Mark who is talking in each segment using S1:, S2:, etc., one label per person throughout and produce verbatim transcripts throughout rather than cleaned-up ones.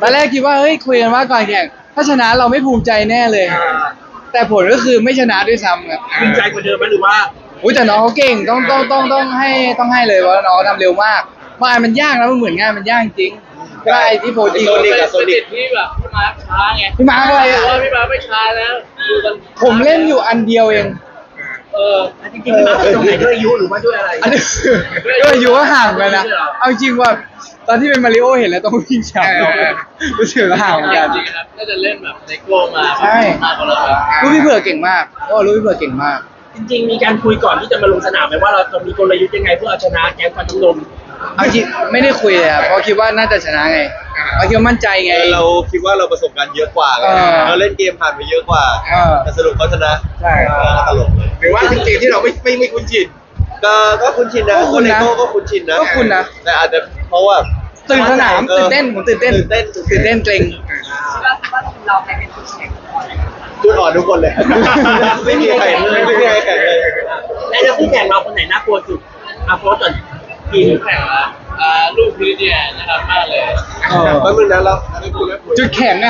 S1: ตอนแรกคิดว่าเฮ้ยคุยกันว่าก่อนแข่งถ้าชนะเราไม่ภูมิใจแน่เลย แต่ผลก็คือไม่ชนะด้วยซ้ำครับ
S2: ภูมิใจกว่าเดิมไหมหรือว่า
S1: อุ้ยแต่น้องเขาเก่งต้องต้องต้องต้องให้ต้องให้เลยว่าน้องทำเร็วมากมายมันยากนะมันเหมือนงานมันยากจริงก็ไอ้ที่โพสต์
S3: โซนิกกับโซนิกที่แบบพี่มาร์คช้าไง
S1: พี่มาร์คอะไรอ่ะ
S3: พี่มาร์คไม่ช้าแล้วดูกัน
S1: ผมเล่นอยู่อันเดียวเอง
S3: เออ
S2: จริงๆพี่มาร์คตรงไหนด้วยอายุหรือว่าด้วยอะไร
S1: อันนี้ก็อายุก็ห่างกันนะเอาจริงว่าตอนที่เป็นมาริโอเห็นแล้วต้องวิ่งช้ารู้สึกห่างกัน
S3: จริงครับน่าจะเล่นแบบเลโก้มา
S1: ใช่
S3: มากกว่าเรา
S1: ลูกพี่เผือกเก่งมากโอ้ลูกพี่เผือกเก่งมาก
S2: จริงๆมีการคุยก่อนที่จะมาลงสนามไหมว่าเราจะมีกลยุทธ์ยังไงเพื่อเอาชนะแก๊งฟันน้ำนม
S1: เอาจริงไม่ได้คุยเลยครับเพราะคิดว่าน่าจะชนะไงเราคิดว่ามั่นใจไง
S4: เราคิดว่าเราประสบการณ์เยอะกว่าไงเราเล่นเกมผ่านไปเยอะกว่าแต่สรุปเขาชนะ
S1: ใช่
S4: ตลกเลย
S2: หรือว่าเป็นเกมที่เราไม่ไม่ไม่คุ้นชิน
S4: ก็ก็คุ้นชินนะ
S1: คุณนะ
S4: ก็คุ้นชินนะ
S1: ก็คุณนะ
S4: แต่อาจจะเพราะว่า
S1: ตื่นสนามตื่นเต้นผมตื่นเต้น
S4: ตื่นเต้น
S1: ตื่นเต้นเกรง
S5: เราไปเป็นผู้แข่ง
S4: จุดอ่อนทุกคนเลยไม่มีใครเลยไม่มีใครแข่งเลย
S2: แล้วคู่แข่งเราคนไหนน่ากลัวสุดอาโพสก่อน
S3: ทีมแข่งละอ่าลูกพีเดียนะครับมากเลย
S4: แป๊บนึงนะเรา
S1: จุดแข็งไง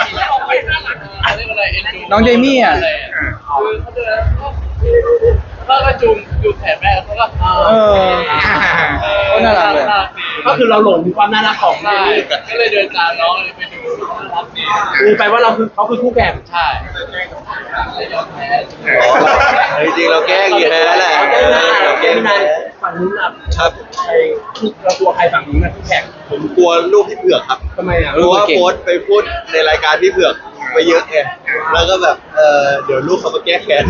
S1: น้องเดมี่อ่ะ
S3: คือเขาจะเขาก็จุงจุงแขนแม่เขาก็
S1: เออเขาน่ารักเลย
S2: ก็คือเราหลงความน่ารักของ
S3: ได้ก็เลยเดินตามน้องเลยไปดูน่ารักดี
S2: ดูไปว่าเราคือเขาคือคู่แข่ง
S3: ใช่
S4: จริงๆเราแก้กี่แพ้แหละ
S2: เราแก้ไม่นานฝั่งนู้นครับใครเรากลัวใครฝั่งนู้นนะคู่แข่ง
S4: ผมกลัวลูกพี่เผือกครับ
S2: ทำไมอ่ะ
S4: เพราะว่าโค้ชไปพูดในรายการพี่เผือกไปเยอะไงแล้วก็แบบเออเดี๋ยวลูกเขามาแก้แค้น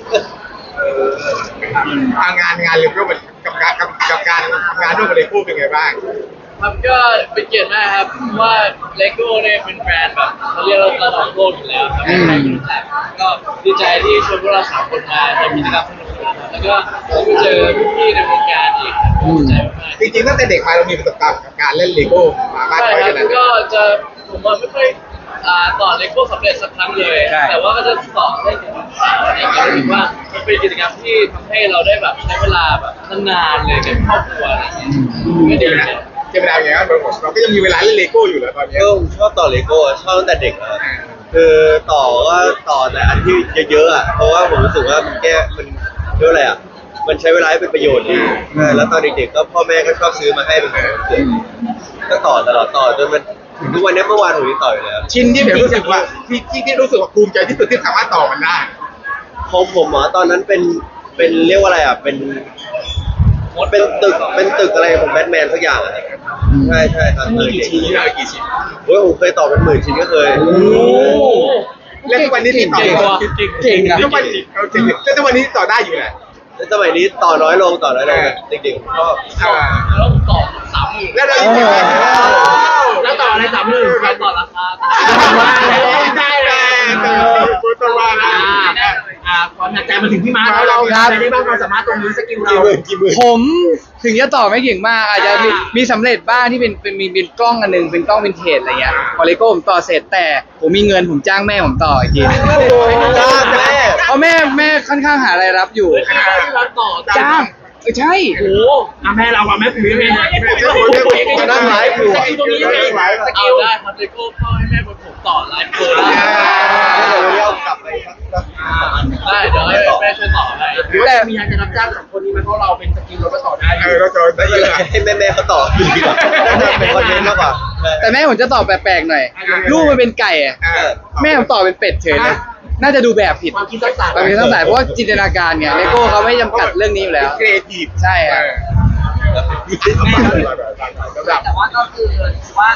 S2: ทางงานงานเรื่องกับการกับกับการทำงานร่วมกับเลโก้เป็นไงบ้าง
S3: ครับก็เป็นเกียรติมากครับว่าเลโก้เนี่ยเป็นแบรนด์แบบเขาเรียกเราระดับโลกอยู่แล้วครับใครก็รู้จักก็ดีใจที่ชวนพวกเราสามคนมาทำกิจกรรมสนุกๆแล้วก็ได้ไปเจอพี่ๆในวงการอีกดีใจมาก
S2: จริงๆตั้งแต่เด็กมาเรามีประสบการณ์กับการเล่นเลโก้มาบ้างไหมกัน
S3: ก็จะผมว่าไม่ค่อยต่อเลโก้สำเร็จสักครั้งเลยแต่ว่าก็จะต่อได้ถึงอะไรอย่างเงี้ยรู้สึกว่ามันเป็นกิจกรรมที่ทำให้เราได้แบบใช้เวลาแบบนานๆเลยกับครอบครัวอะไรอย่างเงี้ยก็ดีนะ
S2: เวลาอย่างเงี้ยเราก็ยังมีเวลาเล่นเลโก้อยู่แล้วตอนนี้
S4: ก็ชอบต่อเลโก้ชอบตั้งแต่เด็กแล้วคือต่อก็ต่อแต่อันที่เยอะๆอ่ะเพราะว่าผมรู้สึกว่ามันแก้มันเรียกอะไรอ่ะมันใช้เวลาให้เป็นประโยชน์ดีแล้วตอนเด็กๆก็พ่อแม่ก็ชอบซื้อมาให้เป็นของขวัญเกิดก็ต่อตลอดต่อจนมันถึงทุกวันนี้เมื่อวานผมยังต่ออยู่เลย
S2: ชิ้นที่รู้สึกว่าที่ที่รู้สึกว่าภูมิใจที่สุดที่สามารถต่อมันได้
S4: ของผมหมอตอนนั้นเป็นเป็นเรียกว่าอะไรอ่ะเป็นเป็นตึกเป็นตึกอะไรผมแบทแมนสักอย่างอ่ะใช่ใช่ครับ
S2: เคยกี่ชิ้นเลยกี่ชิ้น
S4: โอ้ยผมเคยต่อเป็นหมื่นชิ้นก็เคย
S2: แล้วทุกวันนี้ที่ต่อ
S1: เก่งนะ
S2: ทุกวันนี้แล้วทุกวันนี้ต่อได้อยู่แหละ
S4: สมัยนี้ต่อน้อยลงต่อน้อยลงจริงๆก็
S3: แล้วต่อสามหมื่น
S2: แล้วเราแล้วต่ออะไรสามหมื่น
S3: แล้วต่อราคา
S2: ได้เลยคุณตัวว่านะอ่าความหนักใจมาถึงพี่ม้าแล้วเราได้บ้างความสามารถตรงนี้สกิลเรา
S1: ผมถึงจะต่อไม่เก่งมากอาจจะมีสำเร็จบ้างที่เป็นเป็นมีเป็นกล้องอันนึงเป็นกล้องวินเทจอะไรเงี้ยพอเลโก้ผมต่อเสร็จแต่ผมมีเงินผมจ้างแม่ผมต่ออีกที
S4: จ้างแม่
S1: เพราะแม่แม่ค่อนข้างหารายรับอยู่จ้างเออใช่
S2: โอ้อาแม่เราอะแม่ปุ๋ยแม่
S4: จะนั่งไลฟ์อยู่
S2: ตรงนี้
S3: สกิลได้ครับเลโก้พ่อให้แม่ผมต่อไลฟ์โปรได้
S4: เดี๋ยวเรากลับไป
S3: ได้เดี๋ยวให้แม่ช่วยต่อให้
S2: แต่มีงานจะรับจ้างสองคนนี้มันเพราะเราเป็นสกิลเราก็ต่อได้เออเราต่อได้เยอะ
S4: ให้แม่แม่เขาต่อน่าจะเป็นคอนเทนต์มากกว่า
S1: แต่แม่ผมจะต่อแปลกๆหน่อยลูกมันเป็นไก่อะแม่ผมต่อเป็นเป็ดเฉยเลยน่าจะดูแบบผิด
S2: ความคิดสร้างสรรค์
S1: ความคิดสร้างสรรค์เพราะว่าจินตนาการไงเลโก้เขาไม่จำกัดเรื่องนี้อยู่แล้ว
S2: ครีเอทีฟ
S1: ใช่ครับ
S5: แต่ว่าก็คือว่า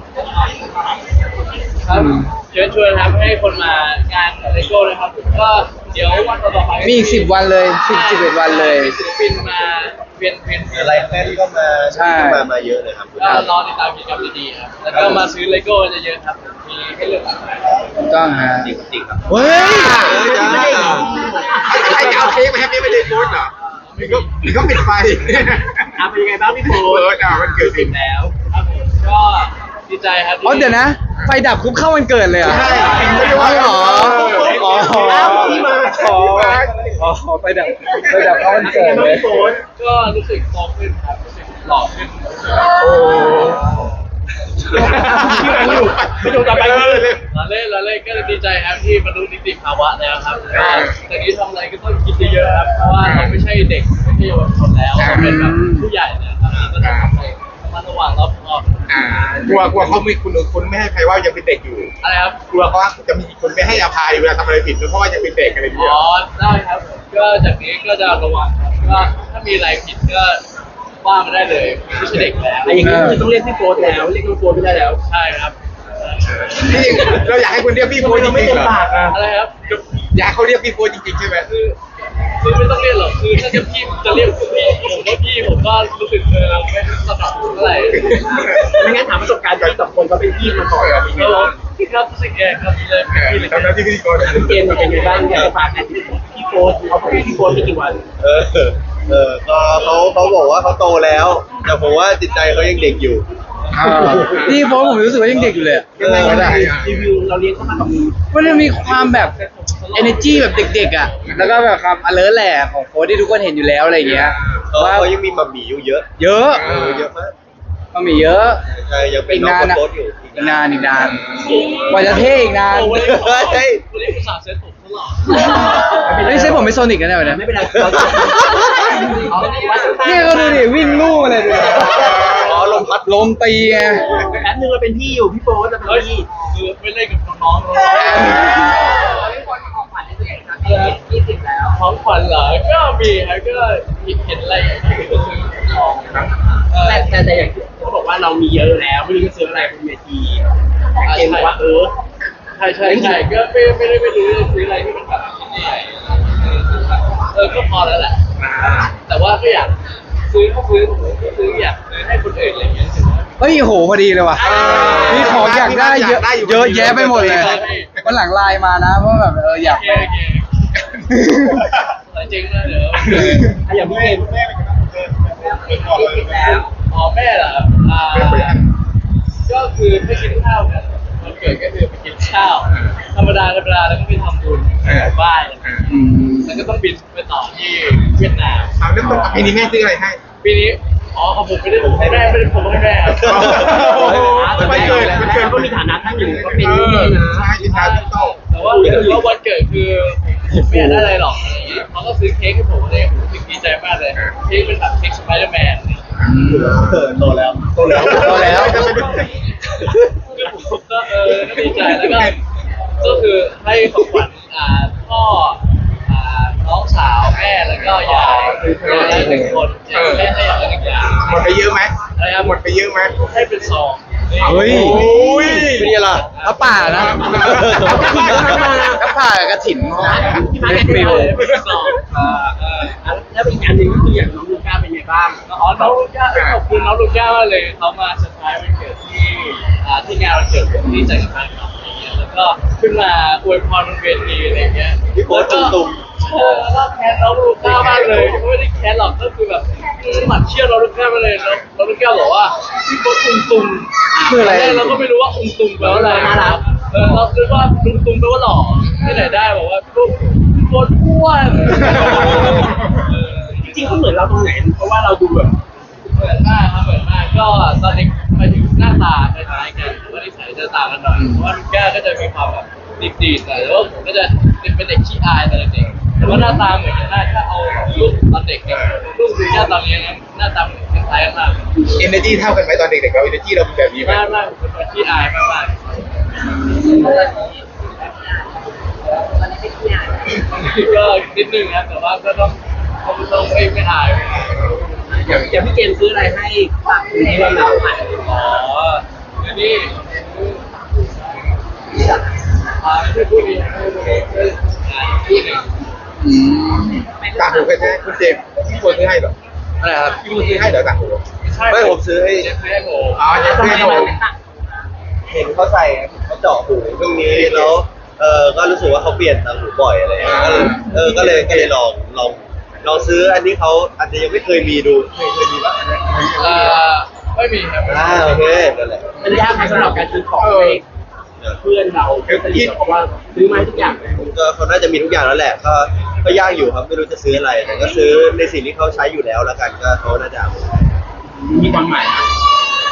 S3: ครับเชิญชวนครับให้คนมางานเลโก้นะครับก็เดี๋ยววันต่อไป
S1: มีอีกสิบวันเลยสิบสิบเอ็ดวันเลย
S3: ศิลปินมาเปลี่ยนเปลี่ยน
S4: อะไรแฟนก็มา
S1: ใช่
S4: มามาเยอะเลยครับ
S3: ก็รอติดตามกิจกรรมดีๆครับแล้วก็มาซื้อเลโก้เยอะๆครับมีให้เลือกหลากหลาย
S1: ถูกต้องฮะ
S4: จริงๆครับ
S1: เฮ้ย
S2: ไม่ได้ใครเอาเค้กมาแฮปปี้ไม่ได้โพสเหรอมีก็มีก็ปิดไฟอ่ะเป็นยังไงบ้างพี่โพสอ่ะมันเกิดขึ้นแล้ว
S3: ครับก็ดีใจครับ
S1: อ๋อเดี๋ยวนะไฟดับคุบเข้าวันเกิดเลยเหรอ
S2: ใช่
S1: อ๋อเหรออ๋อ
S2: ที่มา
S1: อ๋ออ๋อไฟดับไฟดับเข้าวันเกิดเลย
S3: ก็รู้สึกโตขึ้นครับรู้สึกหล่อขึ้น
S2: โอ้อยู่ไม่อยู่ต่อไปเลย
S3: เราเล่นเราเล่นก็ดีใจครับที่บรรลุนิติภาวะแล้วครับก็ตอนนี้ทำอะไรก็ต้องคิดเยอะๆครับเพราะว่าเราไม่ใช่เด็กไม่ใช่เยาวชนแล้วเราเป็นแบบผู้ใหญ่แล้วครับก็ต้องทำอะไรระมัดระวังรอบคอบ
S2: อ่ากลัวกลัวเขาไม่คุณคุณไม่ให้ใครว่ายังเป็นเด็กอยู่
S3: อะไรครับ
S2: กลัวเขาจะมีคนไม่ให้อภัยเวลาทำอะไรผิดเพราะว่ายังเป็นเด็กอะไรอย่างเงี้ย
S3: อ๋อได้ครับก็จากนี้ก็จะระวังครับก็ถ้ามีอะไรผิดก็ว่ามาได้เลยไม่ใช่เด็กแล้ว
S6: อย่างนี้คือต้องเรียกพี่โฟร์แล้วเรียกน้องโฟร์ไม่ได้แล้ว
S3: ใช่ครับ
S2: นี่เราอยากให้คุณเรียกพี่โฟจ
S6: เราไม่
S2: ริง
S6: เต็
S2: ๆเหรอ
S6: มปากอ่ะ
S3: อะไรครับ
S2: อยากให้เขาเรียกพี่โฟจริงๆใช่ไหม
S3: คือคือไม่ต้องเรียกหรอกคือถ้าจะพี่จะเรียกพี่ผมว่าพี่ผมก็รู้สึกเออไม่สนับสนุนเท่าไหร่
S6: ไม่งั้นถามประสบการณ์ที่สองคนเขาเป็นพี่มาก่อนเป็นไง
S3: ก็
S6: บ้าง
S3: พี่ครับรู้สึกแย่ครับเลยพี่เลย
S2: ทำหน้าที่พิธีกร
S6: พี่เกมเป็นไงบ้างอยากจะฝากกันพี่โฟร์เขาเป็นพี่โฟร์ไม่กี่วัน
S4: เออเออก็เขาเขาบอกว่าเขาโตแล้ว แต่ผมว่าจิตใจเขายังเด็กอยู่
S1: พี่โฟผมรู้สึกว่ายังเด็กอยู่เลยอะ
S2: ยังไงก็ได้
S6: รีวิวเราเลี้ยงเขามากับมือ
S1: มันจะมีความแบบ energy แบบเด็กๆอ่ะแล้วก็แบบความ alert แหละของโฟที่ทุกคนเห็นอยู่แล้วอะไรอย่างเงี้ย
S4: เขา
S1: ว่า
S4: เขายังมีมัมหมี่อยู่เยอะ
S1: เยอะ
S4: เออเยอะมาก
S1: ก็มีเยอะ
S4: ใช่ยังเป็นน้องคนโตอยู่
S1: อีกนานอีกนานกว่าจะเท่อีกนาน
S3: โอ้วันนี้วันนี้คุณสาวเซ็ตผมตลอด
S1: ไม่ใช่ผมไม่โซนิกกันนะวันนี้
S6: ไม่เป็นไรเราจะเอาวัดข้าง
S1: เนี่ยก็ดูดิวิ่งลู่มาเลยดูดิ
S4: อ๋อลมพัด
S1: ลมตีไง
S6: แป๊บนึงเราเป็นพี่อยู่พี่โฟร์จะเป็น
S3: เฮ้ย
S6: พี่
S3: คือไม่เล่นกับน้องๆเลย
S5: พี่คนของขวัญให้ตัวเองครับยี่สิบแล้ว
S3: ของขวัญเหรอก็มีครับก็เห็นอะไรก็ซื้อของ
S6: แต่แต่แต่อย่างที่เขาบอกว่าเรามีเยอะแล้วไม่รู้จะซื้ออะไรบนเวทีเกมบอกว่าเออ
S3: ใช่ใช่ใช่ก็ไม่ไม่ได้ไม่รู้จะซื้ออะไรที่มันแบบชิ้นใหญ่เออก็พอแล้วแหละ แต่ว่าก็อยากซื้อก็ซื้อก็ซื้ออยากซื้อให้คนอื่นอะไรอย่างเงี้ย
S1: เฮ้ยโหพอดีเลยว่ะมีของอยากได้เยอะเยอะแยะไปหมดเลยวันหลังไลน์มานะเพราะแบบเอออยาก
S3: โอเคโอเคจริงนะเดี๋ยว
S6: อ่ะอย่างพี่เกม
S5: ยี่สิบแล้ว
S3: อ๋อแม่เหรออ่าก็คือไปกินข้าวกันวันเกิดก็คือไปกินข้าวธรรมดาธรรมดาแล้วก็ไปทำบุญบ้าน
S1: อืม
S3: แล้วก็ต้องบินไปต่อที่เวียดนาม
S2: เอาแล้วต้องปีนี้แม่ซื้ออะไรให้
S3: ปีนี้อ๋อของผมไม่ได้ผมให้แม่ไม่ได้ผมให้แม่ครับ
S2: วันเกิดวันเกิด
S6: ก็มีฐานะท่านอยู่ก็เป็น
S2: เอ
S6: นี่
S2: อ
S6: นะ
S2: ใช่ที่ทานโต
S3: แต่ว่าถือว่าวันเกิดคือไม่อยากได้อะไรหรอกอะไรอย่างเงี้ยเขาก็ซื้อเค้กให้ผมเลยผมรู้สึกดีใจมากเลยเค้กเป็นแบบเค้กสไปเดอร์แมน
S4: เออโตแล้ว
S2: โตแล้ว
S1: โตแล้ว
S3: คือผมก็เออก็ดีใจแล้วก็ก็คือให้ของขวัญอ่าพ่ออ่าน้องสาวแม่แล้วก็ยายยายหนึ่งคนแม่ให้อย่างละหนึ่งอย่าง
S2: หมดไปเยอะไหม
S3: อะไรครับ
S2: หมดไปเยอะไหม
S3: ให้เป็นซองนี่
S1: เฮ้ย
S2: โอ้ย
S4: เป็นไงล่ะ
S1: พระป่านะพระป่ากับกระถิ่น
S6: ที่มา
S1: เล็
S6: แค่
S1: ก
S6: เดี
S1: มิ
S6: ยว
S1: ว
S3: เป็นซองอ่าเออ
S6: แล้วอีกอันหนึ่งก็คืออย่างน้องลูก้าเป็นไงบ้าง
S3: อ๋อน้องลูก้าเอ้ยขอบคุณน้องลูก้ามากเลยเขามาเซอร์ไพรส์วันเกิดที่อ่าที่งานวันเกิดผมที่จัดการกับอะไรเงี้ยแล้วก็ขึ้นมาอวยพรบนเวทีอะไรเงี้ย
S4: พี่โบ๊ทตุ้ม
S3: เออแล้วก็แค้นน้องลูก้ามากเลยไม่ได้แค้นหรอกก็คือแบบหมัดเชี่ยวน้องลูก้ามากเลยแล้วน้องลูก้าบอกว่าพี่โบ๊ทตุงตุง
S1: คืออะไร
S3: ตนแรกเราก็ไม่รู้ว่าตุงตุงแปลว่าอะไรนะครับเออเราคิดว่าตุงตุงแปลว่าหล่อที่ไหนได้บอกว่าพี่โบ๊ทพี่โบ๊ทอ้วนเออ
S6: จริงๆเขาเหมือนเราตรงไหนเพราะว่าเราดูแบบ
S3: เหมือนมากครับเหมือนมากก็ตอนเด็กไปถึงหน้าตาคล้ายๆกันแต่ว่านิสัยจะต่างกันหน่อยเพราะว่าลูก้าก็จะมีความแบบดีๆหน่อยแล้วาผมก็จะเป็นเด็กขี้อายตอนเด็กแต่ว่าหน้าตาเหมือนกันมากถ้าเอารูปตอนเด็กกับรูปลูก้าตอนนี้นะหน้าตาเหมือนคล้ายกันมาก
S2: เอเนจีเท่ากันไหมตอนเด็กๆเราเอเนจีเราเป็นแบบนี้ไหม
S3: มากมากเป็นคนขี้อายมากมาก
S5: ตอนนี้เป็นที่ไหน
S3: ก็นิดนึงนะแต่ว่าก็ต้องก็ต้องไม่ไม่อาย
S6: อย่างอย่างพี่เกมซื้ออะไรให้ฝากคุณให้เราหนาวไหม
S3: อ๋อเดี๋ยวนี้อ่าไม่ใช่พูดดีไม่ใช่พูดดีก็อ่าพูดหนึ่ง
S1: อืม
S2: ต่างหูเคยซื้อให้คุณเจมส์พี่โบซื้อให้เหรอ
S1: อะไรครับ
S2: พี่โบซื้อให้เหรอต่างหู
S3: ใช่
S4: ไม่ผมซื้อให้
S3: เจ็บให้ผม
S2: อ๋อเจมส์
S6: ทำ
S2: ซื้อ
S6: ไม
S2: ให้
S6: มัน
S2: ผม
S6: ไม่ต่าง
S4: เห็นเขาใส่เขาเจาะหูตรงนี้แล้วเออก็รู้สึกว่าเขาเปลี่ยนต่างหูบ่อยอะไรอย่างเงี้ยก็เลยเออก็เลยก็เลยลองลองลองซื้ออันนี้เขาอาจจะยังไม่เคยมีดูเคยเคยมีบ้างไหม
S3: เอ่อไม่มีครับ
S4: อ่าโอเคนั่นแหละ
S6: มันยากไหมสำหรับการซื้อของให้เพื่อนเราเพื่อนสนิทเราเพราะว่าซื้อมาให้ทุกอย่างเลย
S4: ก็เขาน่าจะมีทุกอย่างแล้วแหละ ก็ก็ยากอยู่ครับไม่รู้จะซื้ออะไร แต่ก็ซื้อในสิ่งที่เขาใช้อยู่แล้วแล้วกันก็เขาน่าจะเอา
S6: มีความหมายนะ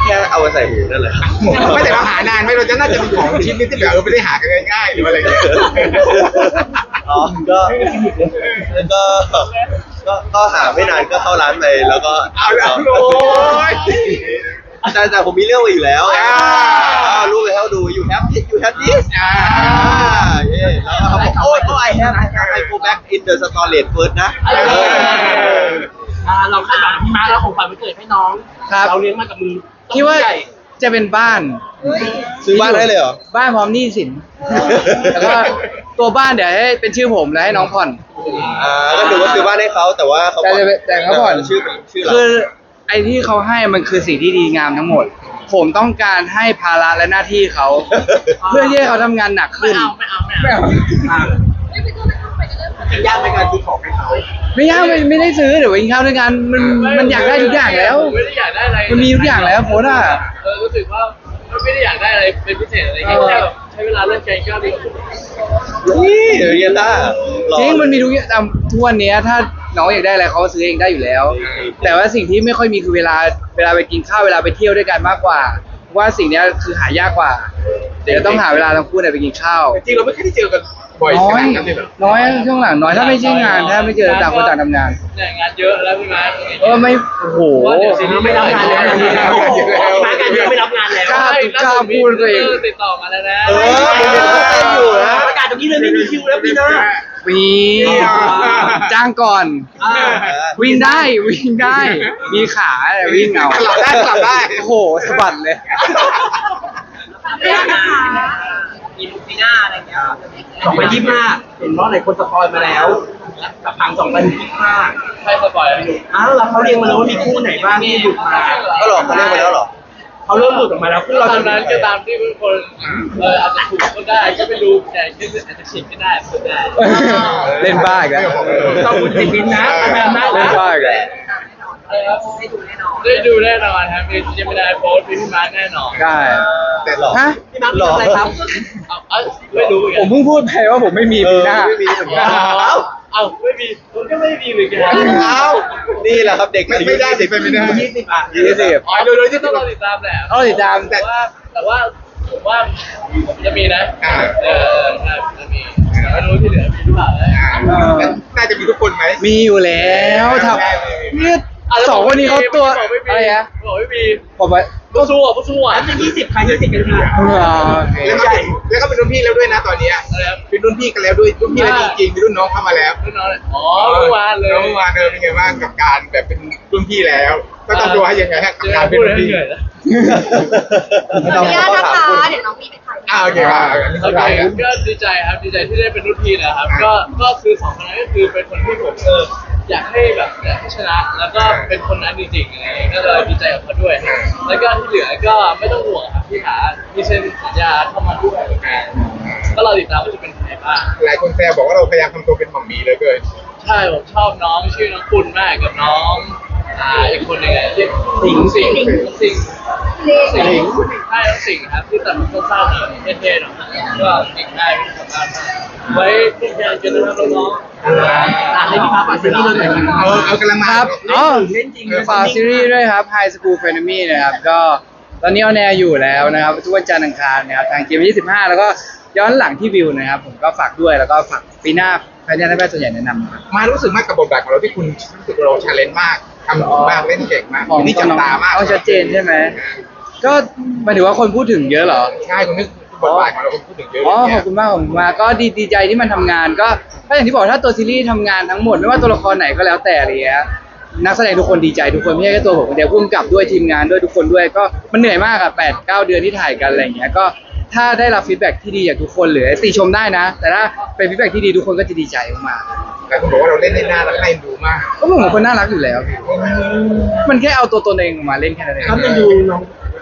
S4: แค่เอามาใส่หูนั่นแหละ
S2: ไม่แต่เราหานานไหมเราจะน่าจะมีของชิ้นนี้ที่แบบเออไม่ได้หากันง่ายๆหรืออะไรอย่างเงี้ย
S4: อ๋อก็ก็ก็ก็หาไม่นานก็เข้าร้านไปแล้วก็
S2: เอาละโอ้ย
S4: แต่แต่ผมมีเรื่องมาอยู่แล้ว
S2: อ่า
S4: อ่ารู้ไปให้เขาดู you have this you have this
S2: อ่า
S4: เย้แล้วเขาบอกโอ้ยโอ้ย I have I have I go back in the storage first นะ
S2: เออ
S6: อ่าเราคาดหวังพี่มาร์คแล้วของขวัญวันเกิดให้น้อง
S1: ครับ
S6: เราเลี้ยงมากับมือ
S1: คิดว่า
S6: ใหญ่
S1: จะเป็นบ้าน
S4: ซื้อบ้านได้เลยเหรอ
S1: บ้านพร้อมหนี้สิน แล้วก็ตัวบ้านเดี๋ยวให้เป็นชื่อผมแล้วให้น้องผ่อน
S4: อ่าก็ถือว่าซื้อบ้านให้เขาแต่ว่าเขา
S1: แต่จะแต่เขาผ่อน
S4: ชื่อเป็นชื่อเรา
S1: คือไอ้ที่เขาให้มันคือสิ่งที่ดีงามทั้งหมด ผมต้องการให้ภาระและหน้าที่เขา เพื่อที่ให้เขาทำงานหนัก
S6: ไม่
S1: ขึ้น
S6: เอาไม่เอาไม่
S1: ไม่
S6: เอา
S1: เอา
S6: อ่าจะยากในการซื้อของให้เขา
S1: ไม่ยากไม่ไม่ได้ซื้อเดี๋ยวไปกินข้าวด้วยกันมันมันอยากได้ทุกอย่างแล้ว
S3: ไม่ได้อยากได้อะไร
S1: มันมีทุกอย่างแล้วโพสต์อะ
S3: เออรู้สึกว่ามันไม่ได้อยากได้อะไรเป็นพิเศษอะไรเงี้ยแค่แบบใช้เวลาเล่นเกมก็ดี
S4: นี่เดี๋ยวเรียนได้
S1: จริงมันมีทุกอย่างแต่ทุกวันเนี้ยถ้าน้องอยากได้อะไรเขาก็ซื้อเองได้อยู่แล้ว แต่ว่าสิ่งที่ไม่ค่อยมีคือเวลาเวลาไปกินข้าวเวลาไปเที่ยวด้วยกันมากกว่าเพราะว่าสิ่งเนี้ยคือหายากกว่า เดี๋ยวต้องหาเวลาทั้งคู่เนี่ยไปกินข้าว
S2: จริงๆเราไม่ค่อยได้เจอกันบ่อยข
S1: น้อ
S2: นาย ดนั้นเลยเหรอ
S1: น้อยช่วงหลังน้อยถ้าไม่ใช่งานถ้าไม่เจอต่างคนต่างทำงาน
S3: เนี่ยงานเยอะแล้วพี่มาร์ค
S1: เออไม่โอ้โห
S3: ว่าเดี๋ยวสิ่งนี้
S6: ไม่รับงานแล้วมาร์คการเดียวไม่รับงานแล้ว
S1: กล้า กล้าพูดตัวเอง
S3: ติดต่อมาแล้วนะ
S4: เออผมเห็นเขาเต้นอยู่นะ
S6: ประกาศตรงนี้เลยไม่มีคิวแล้วพี่นะ
S1: มีจ้างก่อน
S6: อ่า
S1: วิ่งได้วิ่งได้ มีขาแต่วิ่งเอา
S2: หลับได้หลับได้
S1: โอ้โหสะบัดเลย
S5: เรื่องนะคะมีลูกปีหน้าอะไรอย่างเงี้ย
S6: สองพันยี่สิบห้าเห็นว่าหลายคนสปอยมาแล้วกับพังสองพันยี่สิบห้า
S3: ใครสปอยล์
S6: อ้าวแล้วเขาเรียงมาแล้วว่ามีคู่ไหนบ้างที่หลุดมา
S4: ก็หลอกเขาเรียกไปแล้วเหรอ
S6: เขาเริ่มหลุดออกมาแล้วคู่
S3: ต
S6: เรา
S3: อน
S6: จะ
S3: นั้นก็ตามที่ทุกคนเอออาจจะถูกก็ได้ก็ไม่รู้แต่ก็อาจจะผิดก็ได้ก็ได้
S1: เล่นบ้าอีกแล้ว
S6: ต้องพูดติดลิ้นนะทำงานมาก
S1: เล่น
S6: นะ
S1: บ้าอีกแล้ว
S3: อะไรครับ
S5: ได้ดูแน่นอน
S3: ได้ดูแน่นอนครับมีจะไม่ได้โพสต์พี่มาร์คแน่นอน
S1: ได้
S2: แต่หลอก
S1: ฮะ
S6: พี่มาร์คทำอะไรครับ
S3: เอาเอาไม่รู้เหมือน
S1: ผ
S3: กั
S1: ม
S3: น
S1: เพิ่งพูดไปว่าผมไม่มีปีหน้า
S4: เออไม่มีเหมือนกัน
S3: เอาเอาไม่มีผมก็ไม่มีเหมือนกัน
S4: เอ้านี่แหละครับเด็ก
S2: ไม่ไม่ได้สิไปไม่ได้
S6: ยี่สิบอ่ะ
S1: ยี่สิบ
S3: อ๋อเดี๋ยวเดี๋ยวที่ต้องรอติดตามแหละ
S1: เอาติดตาม
S3: แต่ว่าแต่ว่าผมว่าผมจะมีนะ
S2: อ่า
S3: เออใช่จะมีแต่ไม่รู้ที่เหลือมีหรือเปล่านะ
S2: อ่าน่าจะมีทุกคนไหม
S1: มีอยู่แล้วทำเนี่ยสองคนนี้เขาตัวอะไรนะ
S3: บอกไม่มี
S1: ผมว่า
S3: ผู้สู้อ่ะผู้สู้อ่ะ
S6: จะยี่สิบใครยี่สิบกันค่ะ
S1: อ่าโอเค
S2: แล้วก็เป็นแล้วก็เป็นรุ่นพี่แล้วด้วยนะตอนเนี้ย
S3: อะไรครับ
S2: เป็นรุ่นพี่กันแล้วด้วยรุ่นพี่แล้วจริงๆมีรุ่นน้องเข้ามาแล้ว
S3: รุ่นน้องเลยอ๋อเมื่อวานเลย
S2: น้องเมื่อวานเออเป็นไงบ้างกับการแบบเป็นรุ่นพี่แล้ว ก็ต้องดูให้ยังไงฮะกับ
S3: เจอ
S2: การเป็น
S3: พูด
S2: รุ่น
S3: แล้ว
S2: พี่
S3: เหนื่อยแล้ว
S5: ขออนุญาตนะคะเดี๋ยวน้องมีไปถ่าย
S2: อ่าโอเคครับอันนี้
S3: โอ
S2: เข้าใจ
S3: เค
S2: ครับ
S3: ก็ดีใจครับดีใจที่ได้เป็นรุ่นพี่นะครับ ก็ก็คือสองคนนั้นก็คือเป็นคนที่ผมเอออยากให้แบบอยากให้ชนะ แล้วก็เป็นคนนั้นจริงๆอะไรอย่างเงี้ยก็เลยดีใจกับเขาด้วย แล้วก็ที่เหลือก็ไม่ต้องห่วงครับพี่ขามีเซ็นสัญญาเข้ามาด้วยก็เราติดตามว่าจะเป็นใครบ้าง
S2: หลายคนแซวบอกว่าเราพยายามทำตัวเป็นหม่อมหมีเหลยเกิน
S3: ใช่ผมชอบน้องชื่อน้องปุณมากกับน้องอ่าอีกคนหนึงอะที่สิงห์สิงห์สิงห์สิงห์ใช่น้องสิงห์ครับที่ตัดผมสั้นๆหน่อยเท่ๆหน่อยก็สิงห์ได้ไม่ทำงานมากไว้ที่แทนกันนะครับน้องๆ
S6: อ่ะให้พี่มาร์คฝากซีรีส์เราหน่อยครับ
S2: เอาเอากำลังมา
S1: ครับอ๋อ
S6: เล่นจริง
S1: ฝากซีรีส์ด้วยครับ High School f r e n e m y นะครับ ก็ตอนนี้ออนแอร์อยู่แล้วนะครับทุกวันจันทร์อังคารนะครับทางเกมยี่สิบห้าแล้วก็ย้อนหลังที่วิวนะครับ ผมก็ฝากด้วยแล้วก็ฝากปีหน้าแฟนยันแพทย์ส่วนใหญ่แนะนำนะครับ
S2: มารู้สึกมากกับบทบาทของเราที่คุณรู้สึกเราชาเลนจ์มากทำดีมากเล่นเก่งมาก
S1: ของ
S2: นี่จับตามาก
S1: เอาชัดเจนใช่ไหม ก็หมายถึงว่าคนพูดถึงเยอะเหรอ
S2: ใช่คุณนึกบทบาทของเราคุณพูดถึงเยอะ
S1: อ๋อ
S2: เลย
S1: ข
S2: เนี่
S1: อย บคุณมากขอบคุณมากก็ดีดีใจที่มันทำงานก็ก็อย่างที่บอกถ้าตัวซีรีส์ทำงานทั้งหมดไม่ว่าตัวละครไหนก็แล้วแต่อะไรเงี้ยนักแสดงทุกคนดีใจทุกคนไม่ใช่แค่ตัวผมคนเดียวพุ่มกับด้วยทีมงานด้วยทุกคนด้วยก็มันเหนื่อยมากอะแปดเก้าเดือนที่ถ่ายกันอะไรเงี้ยก็ถ้าได้รับฟีดแบ็กที่ดีจากทุกคนหรือติชมได้นะ แต่ถ้าเป็นฟีดแบ็กที่ดีทุกคนก็จะดีใจมาก
S2: หลายคนบอกว่าเราเล่นได้น่ารักน่าเอ็นดูมาก
S1: ๆก็ผมเป็นคนน่ารักอยู่แล้ว มันแค่เอาตัวตนเองมาเล่นแค่นั้นเอง
S6: ครับมันดูน้อง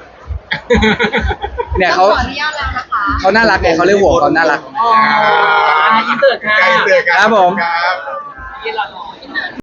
S1: เนี่ยเขา
S5: ขออนุญาตแล้วนะคะ
S1: เขาน่ารักไงเขาเรียกหัวเขาน่ารัก
S6: อ๋ออินเตอร์ค่ะ
S2: ใกล้เจอกัน
S1: ครับผม
S2: ครับ
S5: ที่เรา